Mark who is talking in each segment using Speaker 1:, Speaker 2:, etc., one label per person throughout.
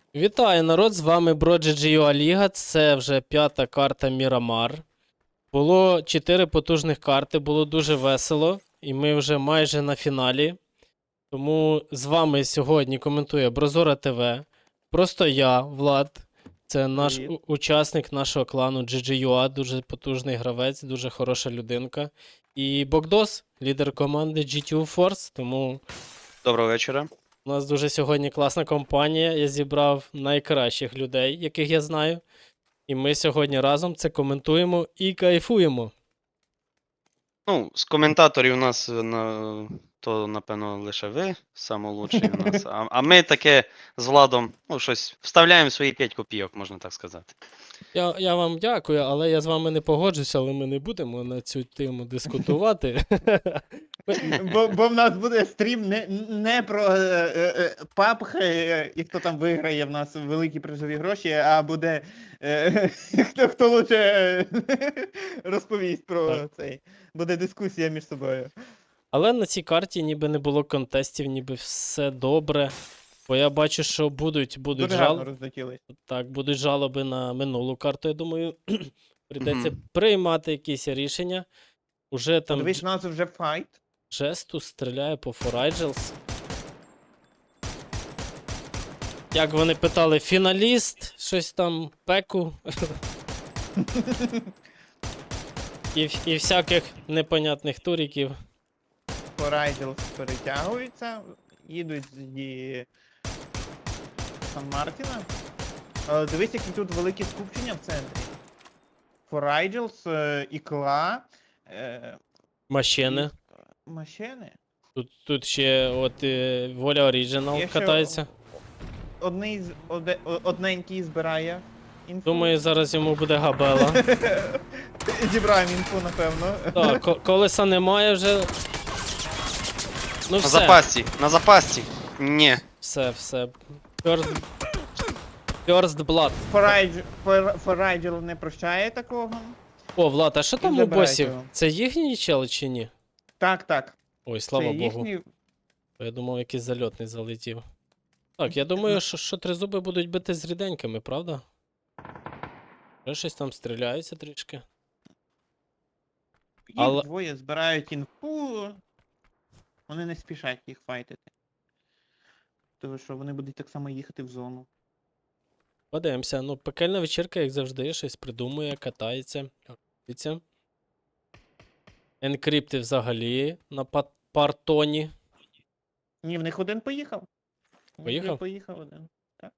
Speaker 1: Вітаю, народ! З вами BroGGUA Ліга. Це вже 5-та карта Мірамар. Було 4 потужних карти, було дуже весело. І ми вже майже на фіналі. Тому з вами сьогодні коментує Брозора ТВ. Просто я, Влад. Це наш
Speaker 2: Привіт.
Speaker 1: учасник нашого клану GGUA, дуже потужний гравець, дуже хороша людинка. І Богдос, лідер команди GTU Force. Тому
Speaker 3: Доброго вечора.
Speaker 1: у нас дуже сьогодні класна компанія. Я зібрав найкращих людей, яких я знаю. І ми сьогодні разом це коментуємо і кайфуємо.
Speaker 3: Ну, з коментаторів у нас то, напевно, лише ви, найкращий у нас. А ми таке з Владом, ну, щось вставляємо свої 5 копійок, можна так сказати.
Speaker 1: Я вам дякую, але я з вами не погоджуся, але ми не будемо на цю тему дискутувати.
Speaker 2: Бо в нас буде стрім не про PUBG, і хто там виграє в нас великі призові гроші, а буде хто лучше розповість про
Speaker 1: Так.
Speaker 2: цей. Буде дискусія між собою.
Speaker 1: Але на цій карті ніби не було контестів, ніби все добре. Бо я бачу, що будуть
Speaker 2: Дуже гарно розлетілись.
Speaker 1: будуть жалоби на минулу карту. Я думаю, прийдеться
Speaker 3: Мгм.
Speaker 1: приймати якісь рішення. Уже там
Speaker 2: Подивись, у нас вже файт.
Speaker 1: Жесту стріляє по Форайджелс. Як вони питали, фіналіст, щось там, пеку. І всяких непонятних туріків.
Speaker 2: Хорайджелс перетягуються, їдуть зі Сан-Мартіна. Дивись, які тут великі скупчення в центрі. Хорайджелс, Ікла,
Speaker 1: Машини.
Speaker 2: машини.
Speaker 1: Тут ще Воля Оріджинал
Speaker 2: Є ще
Speaker 1: катається.
Speaker 2: Одненький збирає інфу.
Speaker 1: Думаю, зараз йому буде габела.
Speaker 2: Зібраємо інфу, напевно.
Speaker 1: Так, колеса немає вже. Ну
Speaker 3: На
Speaker 1: все,
Speaker 3: запасці, на запасці. Ні.
Speaker 1: все. First Blood.
Speaker 2: Форайджел не прощає такого.
Speaker 1: О, Влад, а що там у
Speaker 2: забирайте
Speaker 1: босів?
Speaker 2: його.
Speaker 1: Це їхні чели чи ні?
Speaker 2: Так.
Speaker 1: Ой, слава
Speaker 2: Це
Speaker 1: Богу.
Speaker 2: їхній.
Speaker 1: Я думав, якийсь зальотний залетів. Так, я думаю, що тризуби будуть бити з ріденькими, правда? Вже щось там стріляються трішки.
Speaker 2: Їх
Speaker 1: Але-
Speaker 2: двоє збирають інфу. Вони не спішать їх файтити. Тому що вони будуть так само їхати в зону.
Speaker 1: Подивимося. Ну, пекельна вечірка, як завжди, щось придумує, катається. Дивіться. Енкрипти взагалі на партоні.
Speaker 2: Ні, в них один поїхав.
Speaker 1: Поїхав?
Speaker 2: Поїхав один. Так.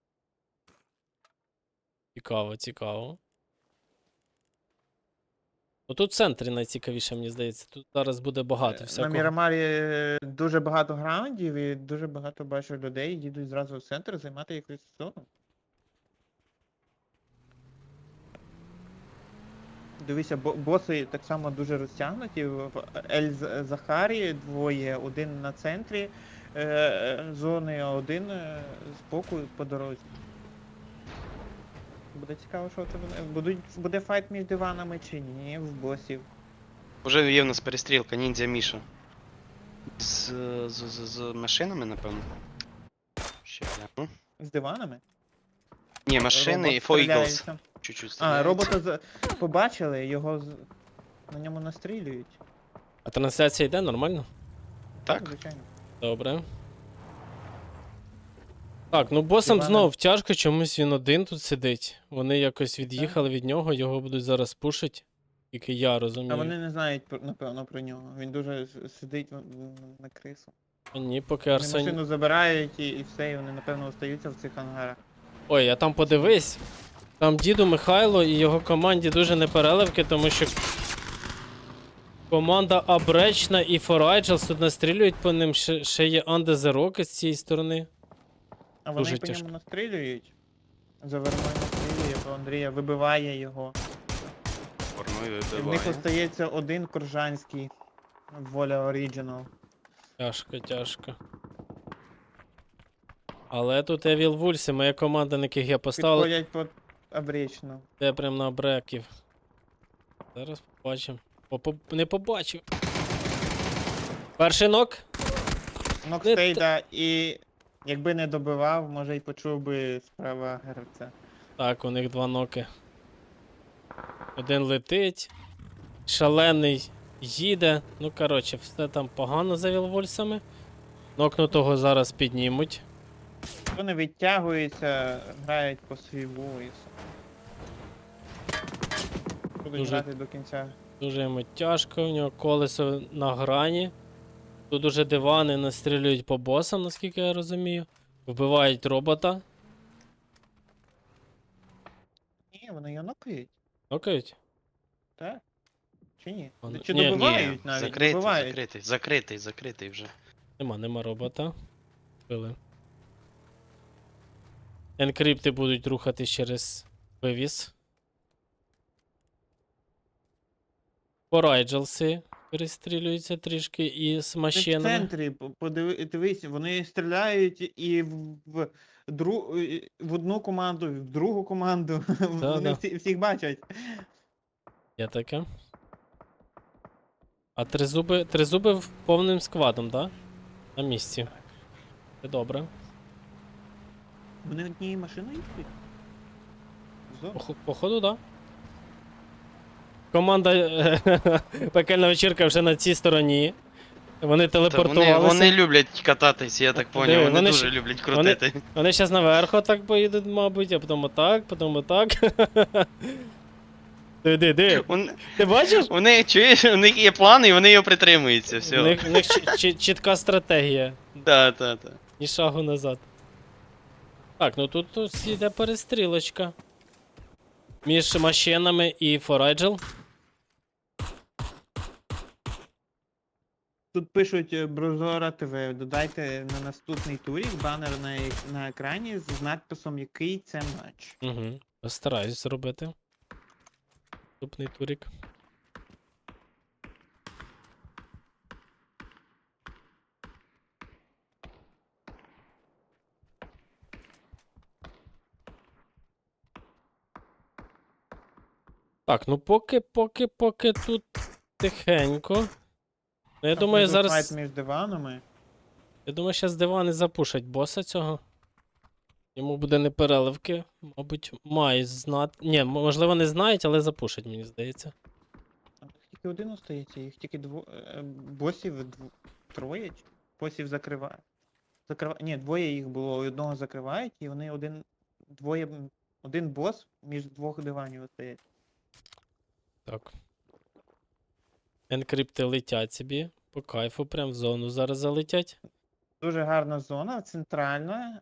Speaker 1: Цікаво. Ну тут в центрі найцікавіше, мені здається. Тут зараз буде багато
Speaker 2: На
Speaker 1: всякого.
Speaker 2: Мірамарі дуже багато граундів і дуже багато бачу людей їдуть зразу в центр займати якусь зону. Дивися, боси так само дуже розтягнуті. В Ель-Захарі двоє, один на центрі зони, а один з боку по дорозі. Буде цікаво, що це буде файт між диванами чи ні в босів.
Speaker 3: Уже є в нас перестрілка, ніндзя Міша. З машинами, напевно. Ще гляну.
Speaker 2: З диванами?
Speaker 3: Ні, машини
Speaker 2: Робот
Speaker 3: і Foibles.
Speaker 2: стріляється.
Speaker 3: Чуть-чуть
Speaker 2: А,
Speaker 3: стріляється.
Speaker 2: робота побачили, його на ньому настрілюють.
Speaker 1: А трансляція йде нормально?
Speaker 3: Так?
Speaker 2: Звичайно.
Speaker 1: Добре. Так, ну босам
Speaker 2: Іване.
Speaker 1: знов тяжко, чомусь він один тут сидить. Вони якось від'їхали від нього, його будуть зараз пушить. Тільки я розумію.
Speaker 2: А вони не знають, напевно, про нього. Він дуже сидить на крису.
Speaker 1: А ні, поки
Speaker 2: Вони
Speaker 1: Арсен.
Speaker 2: машину забирають і все, і вони, напевно, остаються в цих ангарах.
Speaker 1: Ой, а там подивись. Там діду Михайло і його команді дуже непереливки, тому що команда Абречна і Форайджелс тут настрілюють по ним, ще є Under the Rock з цієї сторони.
Speaker 2: А вони
Speaker 1: Дуже
Speaker 2: по
Speaker 1: тяжко.
Speaker 2: ньому настрілюють. Заверною настрілює, по Андрія вибиває його.
Speaker 3: Порною
Speaker 2: І в них
Speaker 3: вибиває.
Speaker 2: остається один коржанський Воля Оріджинал.
Speaker 1: Тяжко. Але тут Evil Wolves, моя команда, на яких я поставив,
Speaker 2: Підходять під обрічну.
Speaker 1: де прям на бреків. Зараз побачимо. Не побачив. Перший нок.
Speaker 2: Нокстейда і Якби не добивав, може й почув би справа гравця.
Speaker 1: Так, у них 2 ноки. Один летить, шалений їде. Ну, коротше, все там погано за вілвульсами. Нокнутого зараз піднімуть.
Speaker 2: Вони відтягуються, грають по свій войс. Будуть
Speaker 1: Дуже-
Speaker 2: грати до кінця.
Speaker 1: Дуже йому тяжко, у нього колесо на грані. Тут уже дивани настрілюють по босам, наскільки я розумію. Вбивають робота.
Speaker 2: Ні, вони його нокають,
Speaker 1: Нокають?
Speaker 2: так? Чи ні?
Speaker 1: Вони-
Speaker 2: Чи
Speaker 1: Ні,
Speaker 2: добивають навіть?
Speaker 3: закритий,
Speaker 2: Добивають.
Speaker 3: закритий вже.
Speaker 1: Нема робота. Били. Енкрипти будуть рухатись через вивіз. Порайджелси перестрілюються трішки із
Speaker 2: Ти в
Speaker 1: машинами.
Speaker 2: центрі, дивись, вони стріляють і в одну команду, і в другу команду. Вони
Speaker 1: Да.
Speaker 2: всіх бачать.
Speaker 1: Є таке. А тризуби в повним складом, да? На місці. Це добре.
Speaker 2: Вони однією машиною їздять?
Speaker 1: Походу, да. Команда пекельна вечірка вже на цій стороні. Вони
Speaker 3: Та вони,
Speaker 1: телепортувалися.
Speaker 3: вони люблять кататись, я так
Speaker 1: Диви,
Speaker 3: поняв. Вони
Speaker 1: вони
Speaker 3: дуже
Speaker 1: ж-
Speaker 3: люблять крутити.
Speaker 1: Вони зараз наверху так поїдуть, мабуть, а потім отак, потім отак. Диви. Ти бачиш?
Speaker 3: У них, чуєш, у них є план і вони його притримуються,
Speaker 1: У
Speaker 3: все.
Speaker 1: них чітка стратегія.
Speaker 3: Так, так, так.
Speaker 1: Ні шагу назад. Так, ну тут йде перестрілочка. Між машинами і Форайджел.
Speaker 2: Тут пишуть Брозора ТВ. Додайте на наступний турік банер на екрані з надписом який це матч.
Speaker 1: Угу. Постараюсь зробити. Наступний турік. Так, ну поки тут тихенько. Ну, я думаю,
Speaker 2: Там
Speaker 1: зараз.
Speaker 2: файт між диванами.
Speaker 1: Я думаю, зараз дивани запушать боса цього. Йому буде не переливки. Мабуть, має знати. Ні, можливо, не знають, але запушать, мені здається.
Speaker 2: Там тільки один остається, їх тільки босів троє. Босів закривають. Ні, двоє їх було, і одного закривають, і вони один бос між двох диванів остається.
Speaker 1: Так. Енкрипти летять собі. По кайфу, прям в зону зараз залетять.
Speaker 2: Дуже гарна зона, центральна.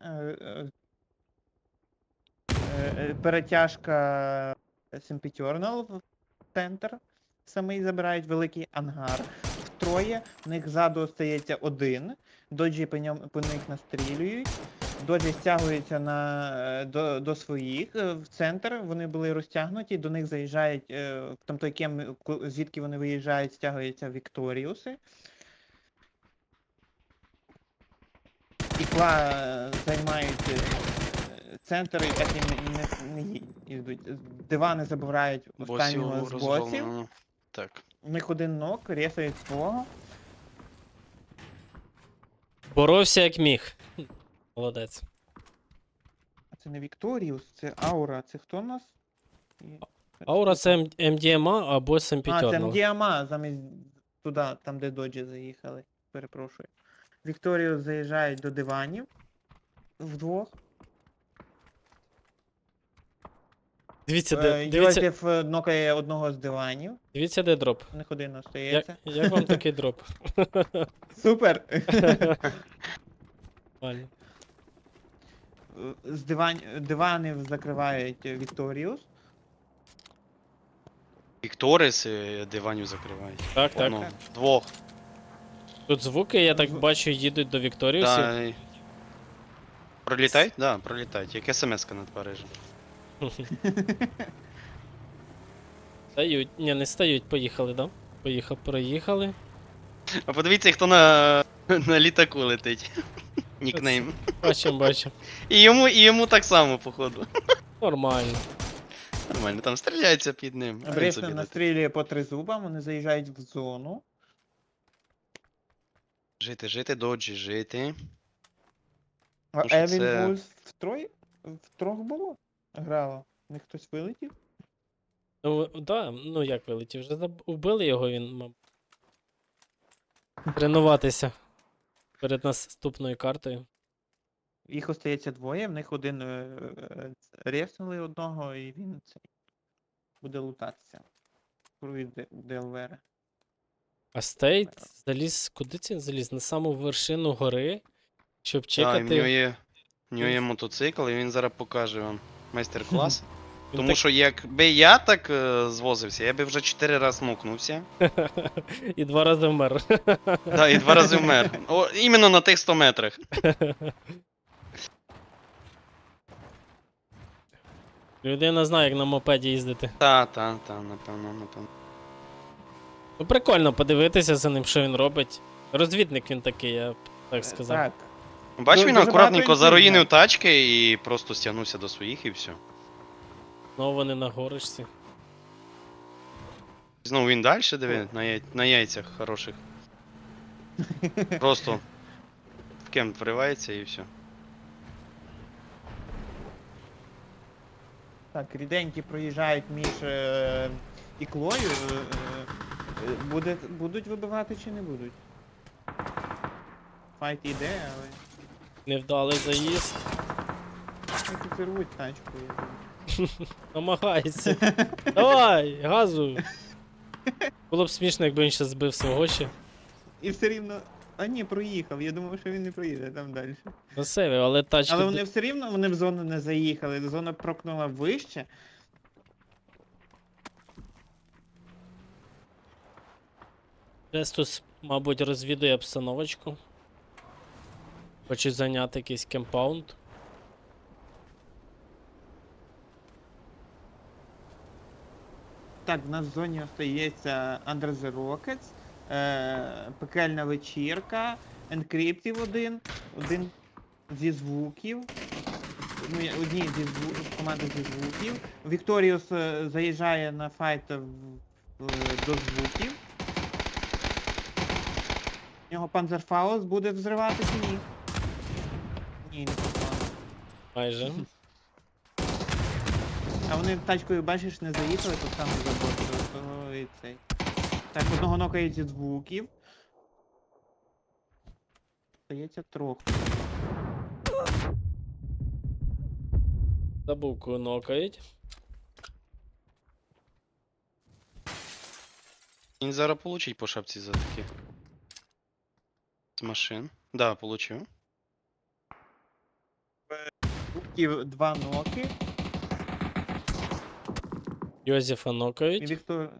Speaker 2: Перетяжка Sempiternal в центр. Самий забирають великий ангар. Втроє, в них ззаду остається один. Доджі по них настрілюють. Доджі стягуються до своїх в центр. Вони були розтягнуті, до них заїжджають, там той кем, звідки вони виїжджають, стягуються Вікторіуси. Ікла займають центр і так і не йдуть. Дивани забирають останнього з босів.
Speaker 3: розгромлено. Так.
Speaker 2: У них один нок, рєсають свого.
Speaker 1: Боровся як міг. Молодець.
Speaker 2: А це не Вікторіус, це Аура. Це хто у нас?
Speaker 1: Аура це MDMA або
Speaker 2: А, це
Speaker 1: Sempiternal.
Speaker 2: МДМА, замість туди, там де доджі заїхали. Перепрошую. Вікторіус заїжджають до диванів. Вдвох.
Speaker 1: Дивіться, дивіться,
Speaker 2: Йозеф нокає одного з диванів.
Speaker 1: дивіться, де дроп.
Speaker 2: У них один остається.
Speaker 1: Як вам такий дроп?
Speaker 2: Супер!
Speaker 1: Нормально.
Speaker 2: З диванів закривають Вікторіус.
Speaker 3: Вікторис диванів закривають.
Speaker 1: Так, так.
Speaker 3: Ну, двох.
Speaker 1: Тут звуки, я так бачу, їдуть до Вікторіусів.
Speaker 3: Да. Пролітають? Да, пролітають. Як смс-ка над Парижем.
Speaker 1: Стають. Ні, не стають, поїхали, да? Проїхали.
Speaker 3: А подивіться, хто на літаку летить. Нікнейм.
Speaker 1: Бачимо.
Speaker 3: І йому так само, походу.
Speaker 1: Нормально.
Speaker 3: Нормально, там стріляються під ним. А він
Speaker 2: Брифтон
Speaker 3: собі летить.
Speaker 2: настрілює по тризубам, вони заїжджають в зону.
Speaker 3: Жити, доджі, жити.
Speaker 2: А
Speaker 3: що
Speaker 2: Евін
Speaker 3: це-
Speaker 2: Вульф втрох було? Грало. В них хтось вилетів?
Speaker 1: Ну, да, ну як вилетів, вже вбили його, він мав тренуватися перед наступною картою.
Speaker 2: Їх остається двоє, в них один реснули одного, і він цей буде лутатися. Від ДЛВР.
Speaker 1: А Стейт заліз, куди це він заліз? На саму вершину гори, щоб
Speaker 3: Так, і в нього
Speaker 1: чекати.
Speaker 3: є,
Speaker 1: Він-
Speaker 3: є мотоцикл, і він зараз покаже вам майстер-клас.
Speaker 1: Він
Speaker 3: Тому
Speaker 1: так-
Speaker 3: що якби я так звозився, я би вже 4 рази мукнувся.
Speaker 1: І 2 рази вмер.
Speaker 3: Да, і 2 рази вмер. О, іменно на тих 100 метрах.
Speaker 1: Людина знає, як на мопеді їздити.
Speaker 3: Та, напевно.
Speaker 1: Ну прикольно подивитися за ним, що він робить. Розвідник він такий, я б так сказав.
Speaker 2: Так.
Speaker 3: Бач, він
Speaker 2: Дуже
Speaker 3: акуратненько
Speaker 2: багато
Speaker 3: заруїнив
Speaker 2: інтриг,
Speaker 3: тачки і просто стягнувся до своїх і все.
Speaker 1: Знову вони на горишці.
Speaker 3: Знову він далі диви, на яйцях хороших. Просто в кемп вривається і все.
Speaker 2: Так, ріденькі проїжджають між іклою. Будуть вибивати чи не будуть? Файт іде, але
Speaker 1: Невдалий заїзд.
Speaker 2: тільки рвуть тачку. я думаю.
Speaker 1: Намагається. Давай, газу. Було б смішно, якби він ще збив свого ще.
Speaker 2: І все рівно. А ні, проїхав. Я думав, що він не проїде там далі.
Speaker 1: Красивий, але тачки.
Speaker 2: Але вони все рівно вони в зону не заїхали. Зона прокнула вище.
Speaker 1: Рестус, мабуть, розвідує обстановочку. Хочуть зайняти якийсь кемпаунд.
Speaker 2: Так, в нас в зоні остається Under the Rockets, пекельна вечірка, Encryptive один зі звуків. Ну, одні зі команди зі звуків. Вікторіус заїжджає на файт до звуків. У нього Панзерфаус буде взривати чи ні? Ні, не попав.
Speaker 1: Майже.
Speaker 2: А вони тачкою, бачиш, не заїхали, то саме заботили, то і цей. Так, одного нокають зі звуків. Здається, трохи.
Speaker 1: Забувку нокають.
Speaker 3: Він зараз получить по шапці за такі. З машин. Да, получив.
Speaker 2: Звуків 2 ноки.
Speaker 1: Йозефа
Speaker 2: І
Speaker 1: нокають.
Speaker 2: Віктор...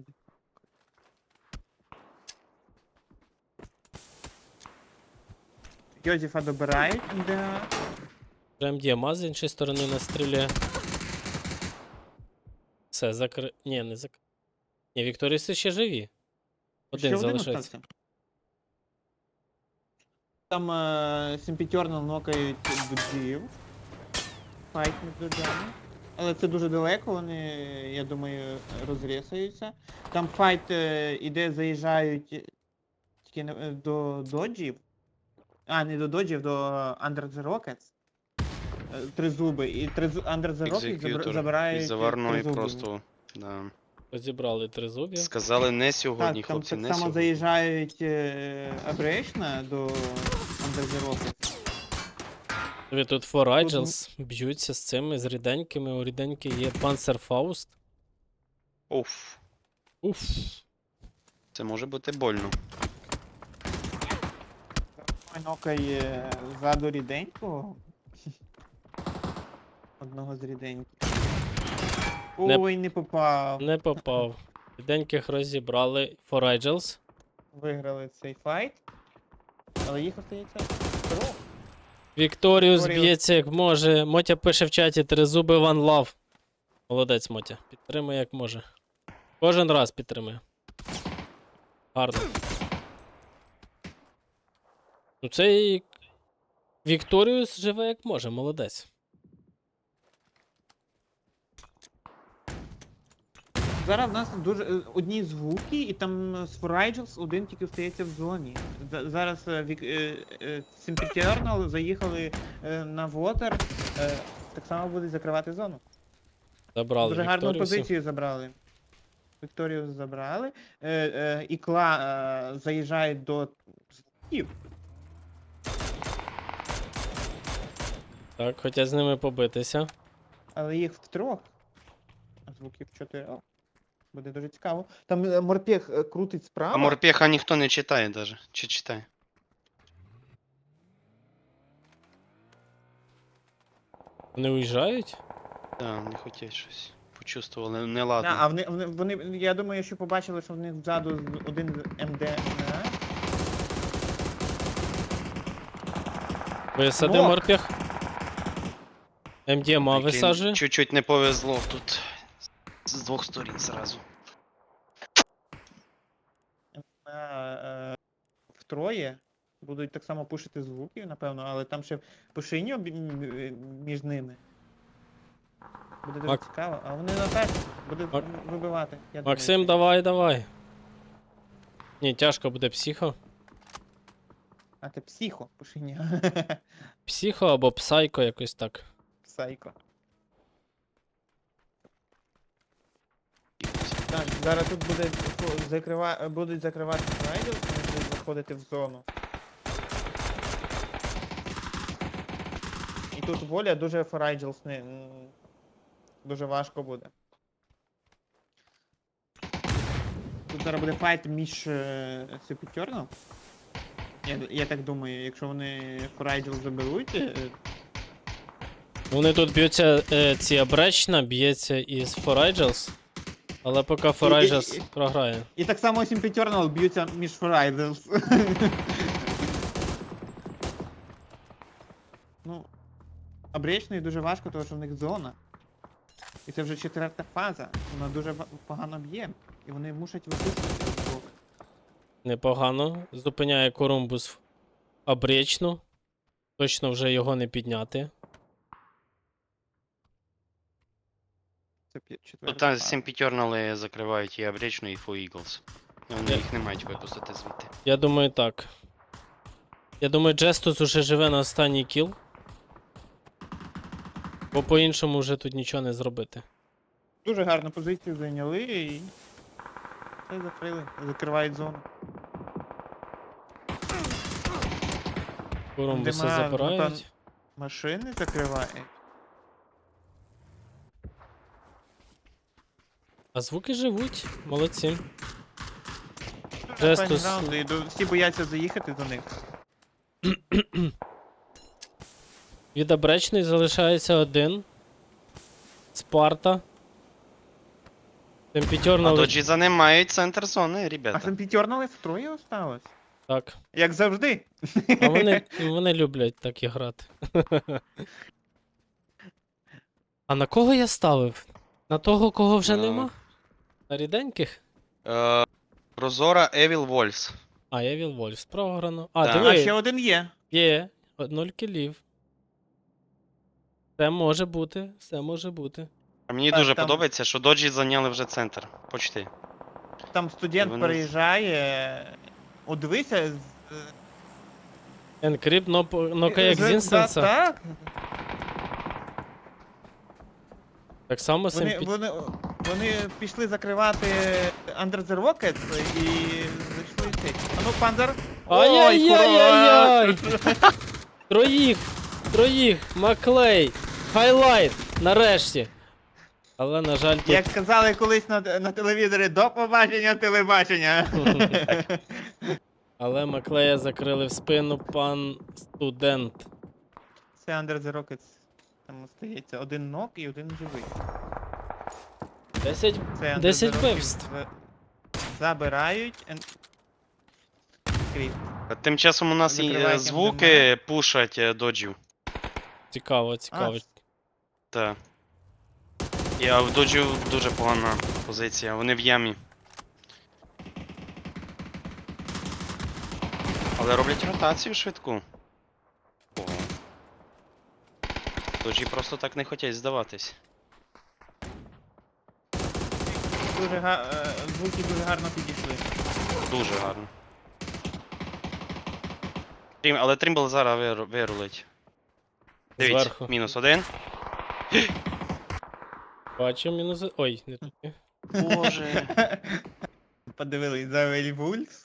Speaker 2: Йозефа добирають, де...
Speaker 1: Прям діамаз з іншої сторони настріляє. Все, Ні, не закри. Ні, Вікторіси ще живі. Один залишається.
Speaker 2: остався. Там Сімпітернал нокають доджів. Файт між доджами. Але це дуже далеко, вони, я думаю, розрісаються. Там файт іде, заїжджають тільки до доджів. А, не до доджів, до Under the Rockets. Тризуби. І Under the Rockets
Speaker 3: Екзекютор
Speaker 2: забирають
Speaker 3: із заварної
Speaker 2: тризуби.
Speaker 3: просто. Да.
Speaker 1: Розібрали три зуб'я.
Speaker 3: Сказали не сьогодні,
Speaker 2: Так, там
Speaker 3: хлопці,
Speaker 2: так
Speaker 3: не
Speaker 2: само
Speaker 3: сьогодні.
Speaker 2: заїжджають Абречна до Under the Rockets.
Speaker 1: Ви тут Four Angels б'ються з цими, з ріденькими. У ріденьки є Panzerfaust.
Speaker 3: Уф,
Speaker 1: Уф.
Speaker 3: це може бути больно.
Speaker 2: Нокає ззаду ріденького. Одного з ріденьких.
Speaker 1: Не-
Speaker 2: Ой, не попав.
Speaker 1: Не попав. Ріденьких розібрали Four Angels.
Speaker 2: Виграли цей файт. Але їх остається трьох.
Speaker 1: Вікторіус
Speaker 2: Вікторіус.
Speaker 1: б'ється як може. Мотя пише в чаті тризуби One Love. Молодець, Мотя. Підтримує як може. Кожен раз підтримує. Гарно. Ну цей Вікторіус живе як може, молодець.
Speaker 2: Зараз в нас дуже одні звуки, і там з Форайджелс один тільки остається в зоні. Зараз Симпетіорнал заїхали на Вотер, так само будуть закривати зону.
Speaker 1: Забрали
Speaker 2: Дуже гарну
Speaker 1: Вікторію всі.
Speaker 2: позицію забрали. Вікторію забрали. Ікла заїжджає до звуків.
Speaker 1: Так, хотять з ними побитися.
Speaker 2: Але їх втрьох. А звуків 4. Буде дуже цікаво. Там морпех крутить справа.
Speaker 3: А морпеха ніхто не читає даже. Чи читає?
Speaker 1: Вони уїжджають?
Speaker 3: Так, не хотять щось. Почувствували
Speaker 2: Да,
Speaker 3: неладно.
Speaker 2: а вони, я думаю, що побачили, що в них ззаду один МД.
Speaker 1: Висади
Speaker 2: Нок.
Speaker 1: морпіх. МДМА
Speaker 3: Прикинь,
Speaker 1: висаджує.
Speaker 3: Чуть-чуть не повезло тут. З двох сторін зразу.
Speaker 2: Втроє. Будуть так само пушити звуки, напевно, але там ще пушиньо між ними. Буде дуже
Speaker 1: Мак-
Speaker 2: цікаво. А вони напевно будуть
Speaker 1: Мак-
Speaker 2: вибивати. Я
Speaker 1: Максим,
Speaker 2: думаю,
Speaker 1: давай, давай. Ні, тяжко буде психо.
Speaker 2: А ти психо, пушиньо.
Speaker 1: Психо або псайко, якось так.
Speaker 2: Сайко. Так, зараз тут буде будуть закривати снайдер, вони будуть заходити в зону. І тут воля дуже Форайджелс дуже важко буде. Тут зараз буде файт між Супітерном. Я так думаю, якщо вони Форайджелс заберуть.
Speaker 1: Вони тут б'ються, ці Абречна б'ється із Форайджелс. Але поки Форайджелс програє.
Speaker 2: І так само Сімпетернал б'ються між Форайджелс. Ну, Обречної дуже важко, тому що в них зона. І це вже 4-та фаза. Вона дуже погано б'є. І вони мусять випустити блок.
Speaker 1: Непогано. Зупиняє Корумбус Абречну. Точно вже його не підняти.
Speaker 2: Це 4-та
Speaker 3: Тут
Speaker 2: фаза.
Speaker 3: Сімпітьорнали закривають і Абречну, і Фу Eagles. Вони їх не мають випустити звідти.
Speaker 1: Я думаю, так. Я думаю, Джестус уже живе на останній кіл. Бо по-іншому вже тут нічого не зробити.
Speaker 2: Дуже гарну позицію зайняли і все закрили. Закривають зону.
Speaker 1: Корумбуса
Speaker 2: Нема,
Speaker 1: забирають.
Speaker 2: Машини закривають.
Speaker 1: А звуки живуть. Молодці.
Speaker 2: Дуже
Speaker 1: Жестус.
Speaker 2: файні раунди, і всі бояться заїхати до них.
Speaker 1: Від Абречної залишається один. Спарта.
Speaker 3: А
Speaker 1: Темпітьорнал.
Speaker 3: доджі за ним мають центр зони,
Speaker 2: А
Speaker 3: ребята.
Speaker 2: Симпетернали втроє осталось.
Speaker 1: Так.
Speaker 2: Як завжди.
Speaker 1: А вони люблять так і грати. А на кого я ставив? На того, кого вже нема? На ріденьких?
Speaker 3: Прозора Evil Wolves.
Speaker 1: А, я Віл Вольф, програно. А,
Speaker 3: Так.
Speaker 2: А
Speaker 1: диви,
Speaker 2: ще один є.
Speaker 1: є. 0 кілів. Все може бути, все може бути.
Speaker 3: А мені
Speaker 2: Так,
Speaker 3: дуже
Speaker 2: там-
Speaker 3: подобається, що доджі зайняли вже центр. Почти.
Speaker 2: Там студент
Speaker 3: Вони-
Speaker 2: переїжджає. О, дивися.
Speaker 1: Енкрипт, нокає
Speaker 2: Так,
Speaker 1: Екзістенса.
Speaker 2: так.
Speaker 1: Так само
Speaker 2: Вони,
Speaker 1: Симпі...
Speaker 2: вони, вони пішли закривати Under the Rockets і зайшли цей. А ну, Панзер.
Speaker 1: Ай-яй-яй-яй-яй! Троїх! Маклей! Хайлайт! Нарешті! Але, на жаль, тут...
Speaker 2: Як казали колись на телевізорі, до побачення телебачення.
Speaker 1: Але Маклея закрили в спину пан студент.
Speaker 2: Це Under the Rockets. Там остається один нок і один живий.
Speaker 1: 10
Speaker 2: Це Under
Speaker 1: 10
Speaker 2: the Rockets
Speaker 1: вбивств.
Speaker 2: забирають. Кріп.
Speaker 3: А тим часом у нас і
Speaker 2: Закривають
Speaker 3: звуки пушать доджів.
Speaker 1: Цікаво.
Speaker 3: Так. І а в доджів дуже погана позиція, вони в ямі. Але роблять ротацію швидку. Ого. Доджі просто так не хочуть здаватись.
Speaker 2: звуки дуже гарно підійшли.
Speaker 3: Дуже гарно. Але Трімбл зараз вирулить. Дивіться,
Speaker 1: Зверху.
Speaker 3: -1.
Speaker 1: Бачу мінус. Ой, не туди.
Speaker 3: Боже.
Speaker 2: Подивились за Вельвульс.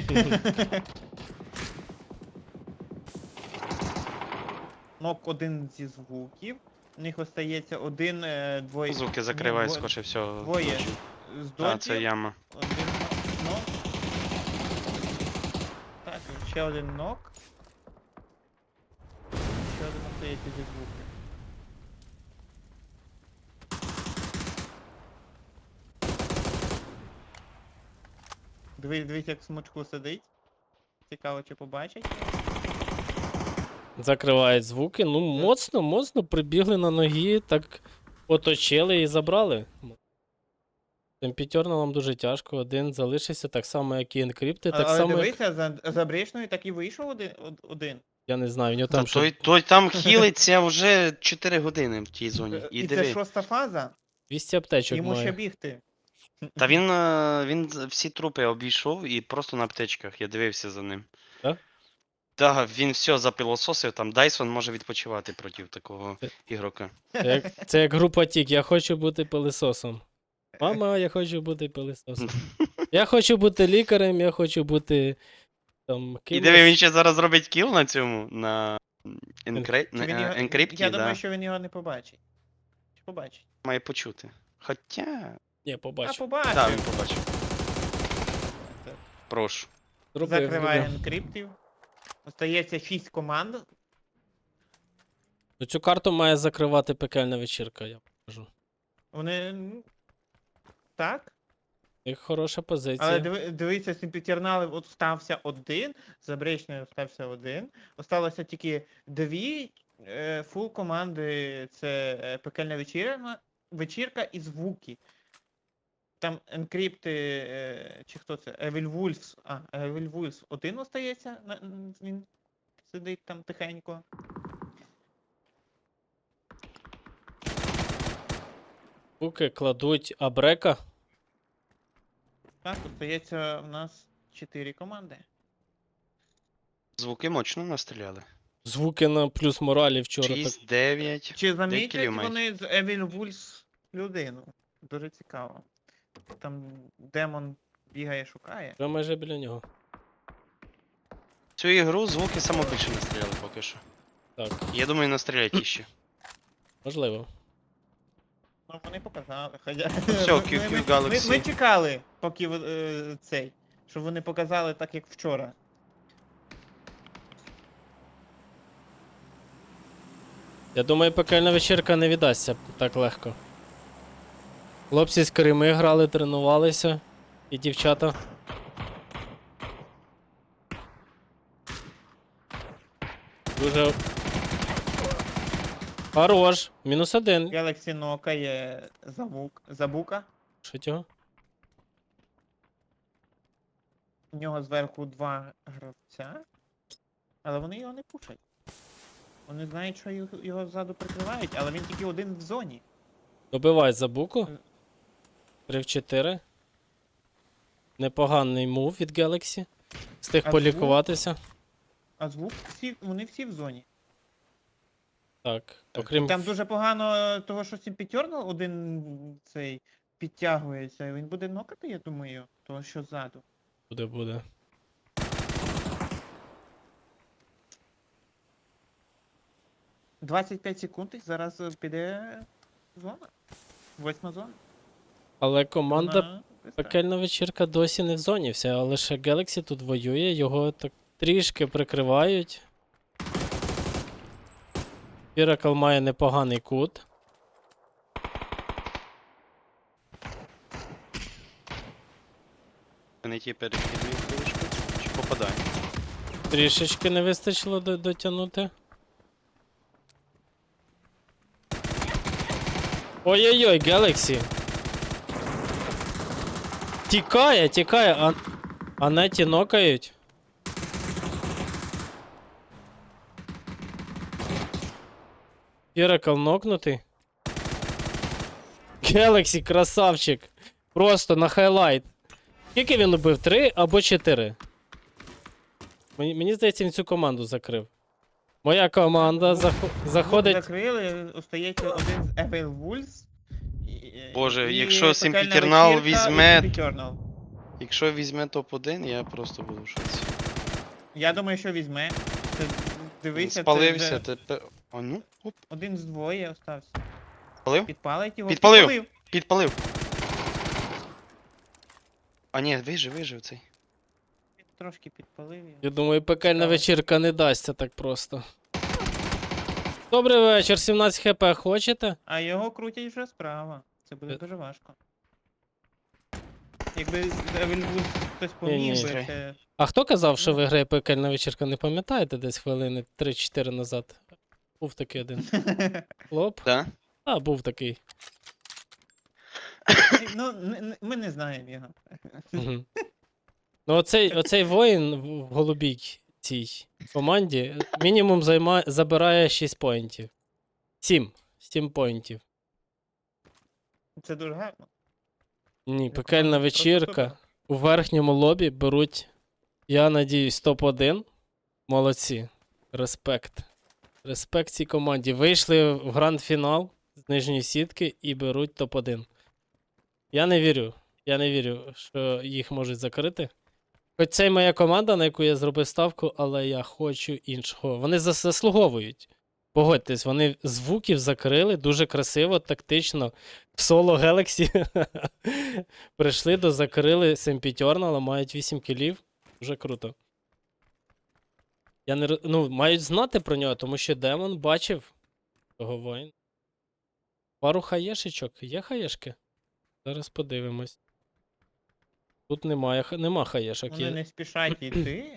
Speaker 2: Нок один зі звуків. У них остається один, двоє.
Speaker 3: Звуки закривай,
Speaker 2: Ні,
Speaker 3: скоріше всього.
Speaker 2: Двоє. З
Speaker 3: А, це
Speaker 2: дотів.
Speaker 3: яма.
Speaker 2: Один нок. Так, ще один нок. Ще один остається зі звуків. Дивись, як в смочку сидить. Цікаво, чи побачить.
Speaker 1: Закривають звуки. Ну, моцно прибігли на ноги, так оточили і забрали. Темпітьорно нам дуже тяжко. Один залишився так само, як і енкрипти, так
Speaker 2: Але
Speaker 1: само, як...
Speaker 2: дивися, за Брішною так і вийшов один.
Speaker 1: Я не знаю, в нього
Speaker 3: Та
Speaker 1: там що
Speaker 3: той там хілиться вже 4 години в тій зоні. І
Speaker 2: І це
Speaker 3: диви.
Speaker 2: 6-та фаза,
Speaker 1: 200 аптечок
Speaker 2: йому ще
Speaker 1: має.
Speaker 2: бігти.
Speaker 3: Та він всі трупи обійшов і просто на аптечках. Я дивився за ним.
Speaker 1: Так?
Speaker 3: Так, він все запилососив, там Дайсон може відпочивати проти такого ігрока.
Speaker 1: Це як група Тік, я хочу бути пилисосом. Мама, я хочу бути пилисосом. Я хочу бути лікарем, я хочу бути там
Speaker 3: І диви, він
Speaker 1: кимось.
Speaker 3: ще зараз робить кіл на цьому, на
Speaker 2: Чи він його-
Speaker 3: енкрипті,
Speaker 2: Я думаю,
Speaker 3: да.
Speaker 2: що він його не побачить. Чи побачить?
Speaker 3: Має почути. Хоча.
Speaker 1: Ні,
Speaker 2: А
Speaker 1: побачу.
Speaker 2: побачить.
Speaker 3: Так, він побачив.
Speaker 2: Так.
Speaker 3: Прошу.
Speaker 1: Зроби, як
Speaker 2: Закриває
Speaker 1: зробив.
Speaker 2: енкриптів. Остається 6 команд.
Speaker 1: Ну, цю карту має закривати пекельна вечірка, я покажу.
Speaker 2: Вони. Так.
Speaker 1: У них хороша позиція.
Speaker 2: Але дивіться, Сімпітернали от стався один, за Бречною стався один. Осталося тільки дві фул команди. Це пекельна вечірка і звуки. Там енкрипти, чи хто це? Evil Wolves. Evil Wolves один остається, він сидить там тихенько.
Speaker 1: Звуки кладуть Абрека.
Speaker 2: Так, остається в нас 4 команди.
Speaker 3: Звуки мощно настріляли.
Speaker 1: Звуки на плюс моралі вчора. Так...
Speaker 3: 6, 9.
Speaker 2: Чи замітять
Speaker 3: кілів
Speaker 2: вони з Evil Wolves людину? Дуже цікаво. Там демон бігає, шукає.
Speaker 1: Вже майже біля нього.
Speaker 3: Цю ігру звуки саме більше настріляли поки що.
Speaker 1: Так,
Speaker 3: Я думаю, настрілять іще.
Speaker 1: можливо.
Speaker 2: Ну, вони показали. Хоча...
Speaker 3: все, QQ Galaxy.
Speaker 2: Ми чекали, поки цей, щоб вони показали так, як вчора.
Speaker 1: Я думаю, пекельна вечірка не віддасться так легко. Хлопці з Криму грали, тренувалися. І дівчата. Дуже. Хорош. -1.
Speaker 2: Galaxy нокає Забука.
Speaker 1: Що цього?
Speaker 2: У нього зверху 2 гравця. Але вони його не пушать. Вони знають, що його ззаду прикривають, але він тільки один в зоні.
Speaker 1: Добивай забуку. 3 в 4. Непоганий мув від Galaxy. Встиг
Speaker 2: А
Speaker 1: полікуватися.
Speaker 2: А звук вони всі в зоні.
Speaker 1: Так. Окрім.
Speaker 2: Там дуже погано того, що Сімпітернал один цей підтягується. Він буде нокати, я думаю, того, що ззаду.
Speaker 1: Буде.
Speaker 2: 25 секунд і зараз піде зона. 8 зона.
Speaker 1: Але команда
Speaker 2: Вона бистра.
Speaker 1: пекельна вечірка досі не в зоні вся, а лише Galaxy тут воює, його так трішки прикривають. Miracle має непоганий кут.
Speaker 3: Не ті перехідні вишки. Чи попадає?
Speaker 1: Трішечки не вистачило дотягнути. Ой-ой-ой, Galaxy. Тікає, а неті нокають. Miracle нокнутий. Galaxy, красавчик. Просто на хайлайт. Скільки він убив? 3 або 4? Мені здається, він цю команду закрив. Моя команда заходить.
Speaker 2: Закрили, остається один з Evil Wolves.
Speaker 3: Боже,
Speaker 2: і
Speaker 3: якщо
Speaker 2: пекельна
Speaker 3: Simple
Speaker 2: вечірка, і
Speaker 3: візьме-
Speaker 2: Simple Eternal.
Speaker 3: Якщо візьме топ-1, я просто буду в шоці.
Speaker 2: Я думаю, що візьме. Це, дивися,
Speaker 3: Спалився,
Speaker 2: це
Speaker 3: тепер. О, ну, оп,
Speaker 2: один з двоє остався.
Speaker 3: спалив?
Speaker 2: Підпалить його.
Speaker 3: Підпалив. Підпалив. А ні, вижив цей.
Speaker 2: Трошки підпалив його.
Speaker 1: Я думаю, пекельна
Speaker 2: Цікаво.
Speaker 1: вечірка не дасться так просто. Добрий вечір, 17 хп хочете?
Speaker 2: А його крутять вже справа. Це буде дуже важко. Якби з Evil Wolves хтось
Speaker 1: Ні-ні.
Speaker 2: поміг би, це...
Speaker 1: А хто казав, що
Speaker 2: Ну.
Speaker 1: виграє пекельна вечірка? Не пам'ятаєте десь хвилини 3-4 назад? Був такий один. Хлоп?
Speaker 3: Да?
Speaker 1: А, був такий.
Speaker 2: Ну, ми не знаємо його.
Speaker 1: Мгм. Ну, оцей воїн в голубій цій команді мінімум забирає 6 поінтів. 7 поінтів.
Speaker 2: Це дуже гарно.
Speaker 1: Ні,
Speaker 2: Я
Speaker 1: пекельна
Speaker 2: команда просто
Speaker 1: вечірка.
Speaker 2: супер.
Speaker 1: У верхньому лобі беруть, я надіюсь, топ-1. Молодці. Респект. Респект цій команді. Вийшли в гранд-фінал з нижньої сітки і беруть топ-1. Я не вірю. Я не вірю, що їх можуть закрити. Хоч це й моя команда, на яку я зробив ставку, але я хочу іншого. Вони заслуговують. Погодьтесь, вони звуків закрили дуже красиво, тактично. В соло Galaxy прийшли до закрили Семпітьорнала, мають 8 кілів. Дуже круто. Я не... Ну, мають знати про нього, тому що Демон бачив того воїна. Пару хаєшечок. Є хаєшки? Зараз подивимось. Тут нема хаєшок.
Speaker 2: Вони
Speaker 1: Є.
Speaker 2: не спішать йти.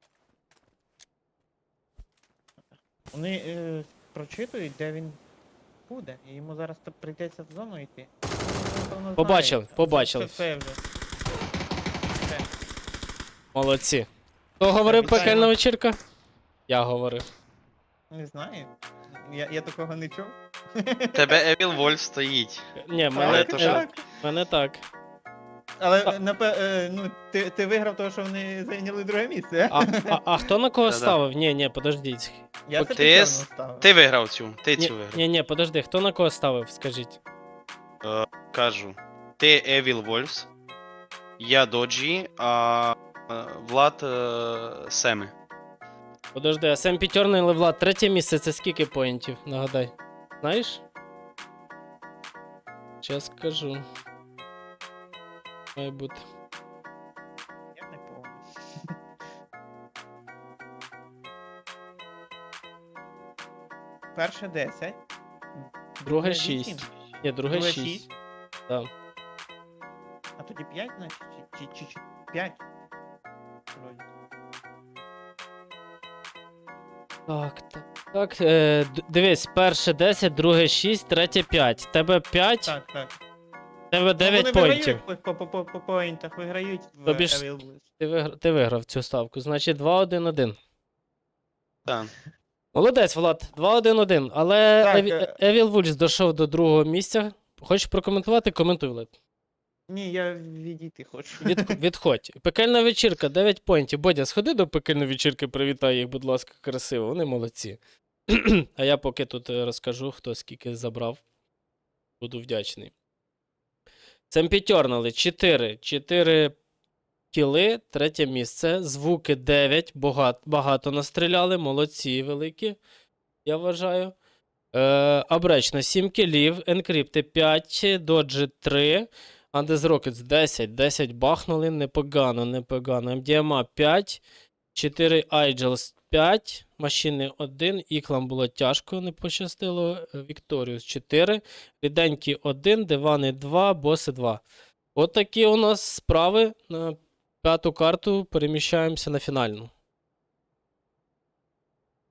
Speaker 2: Вони прочитують, де він буде, і йому зараз прийдеться в зону йти. Він, напевно,
Speaker 1: Побачили,
Speaker 2: знає.
Speaker 1: побачили.
Speaker 2: Це вже. Все.
Speaker 1: Молодці. Хто говорив
Speaker 2: вітаємо.
Speaker 1: пекельна вечірка? Я говорив.
Speaker 2: Не знаю. Я такого не чув.
Speaker 3: Тебе Evil Wolf стоїть.
Speaker 1: Ні,
Speaker 3: Але
Speaker 1: мене,
Speaker 3: то що?
Speaker 1: мене так.
Speaker 2: Але ну, ти виграв того, що вони зайняли друге місце.
Speaker 1: А хто на кого
Speaker 3: Да-да.
Speaker 1: ставив? Ні, подождіть.
Speaker 2: Я
Speaker 3: Ти
Speaker 2: це
Speaker 3: с-
Speaker 2: ставив.
Speaker 3: Ти виграв цю, ти цю виграв.
Speaker 1: Ні, подожди, хто на кого ставив, скажіть.
Speaker 3: Кажу. Ти Evil Wolves, я Доджі, а Влад Семи.
Speaker 1: Подожди, а Сем Пітьорний Влад, третє місце, це скільки поінтів? Нагадай. Знаєш? Щас скажу. Має бути.
Speaker 2: Я не помню. Перше 10.
Speaker 1: Друге
Speaker 2: 8.
Speaker 1: 6. Ні, друге 6.
Speaker 2: 6.
Speaker 1: Да.
Speaker 2: А тоді 5, значить? Чи 5? Вроді.
Speaker 1: Так. Дивись, перше 10, друге 6, третє 5. Тебе 5,
Speaker 2: Так.
Speaker 1: тебе 9
Speaker 2: вони
Speaker 1: поінтів.
Speaker 2: виграють по поінтах, виграють в
Speaker 1: Тобі ж-
Speaker 2: Evil Blues.
Speaker 1: Ти виграв цю ставку. Значить 2-1-1.
Speaker 3: Так.
Speaker 1: Молодець, Влад, 2-1-1. Але
Speaker 2: Так,
Speaker 1: Evil Wolves дійшов до другого місця. Хочеш прокоментувати? Коментуй, Влад.
Speaker 2: Ні, я відійти хочу.
Speaker 1: Відходь. Пекельна вечірка, 9 поінтів. Бодя, сходи до пекельної вечірки, привітай їх, будь ласка, красиво. Вони молодці. А я поки тут розкажу, хто скільки забрав. Буду вдячний. Семпітьорнали 4 кіли, третє місце. Звуки 9, багато настріляли, молодці великі, я вважаю. Абречно 7 кілів, Енкрипти 5, Доджі 3, Андес Rockets 10 бахнули, непогано. MDMA 5, 4 Айджелс 5, Машини 1, Іклам було тяжко, не пощастило, Вікторіус 4, Ріденькі 1, Дивани 2, Боси 2. От такі у нас справи. На п'яту карту переміщаємося на фінальну.